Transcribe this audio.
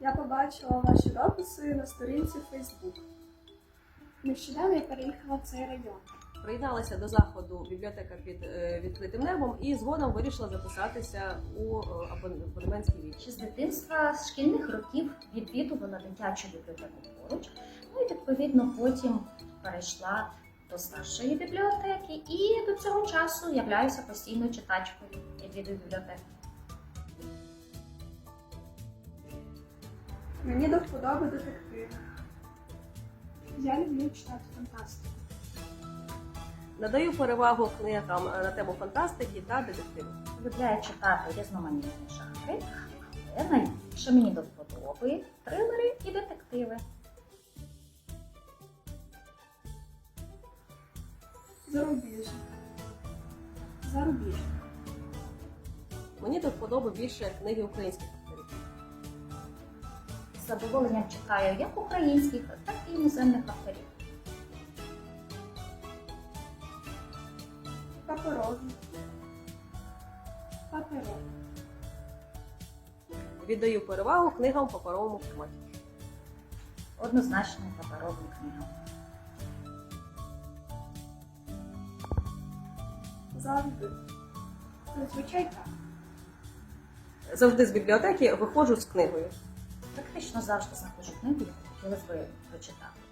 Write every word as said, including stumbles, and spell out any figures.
Я побачила ваші дописи на сторінці Facebook. Нещодавно я переїхала в цей район. Приєдналася до заходу бібліотека під е, відкритим небом і згодом вирішила записатися у е, абон- абонементський відділ. Ще з дитинства, з шкільних років відвідувала дитячу бібліотеку поруч, ну і відповідно потім перейшла до старшої бібліотеки і до цього часу являюся постійною читачкою, відвідую бібліотеку. Мені до вподоби детективи. Я люблю читати фантастику. Надаю перевагу книгам на тему фантастики та детективу. Полюбляю читати різноманітні жанри, але найбільше мені до вподоби трилери і детективи. Зарубіжні. Зарубіжні. Мені до вподоби більше книги українських авторів. З задоволенням читаю як українських, так і іноземних авторів. Паперові. Паперові. Віддаю перевагу книгам в паперовому форматі. Однозначно паперовим книгам. Завжди. Зазвичай так. Завжди з бібліотеки виходжу з книгою. Практично завжди знаходжу книгу, яку хотілося б прочитати.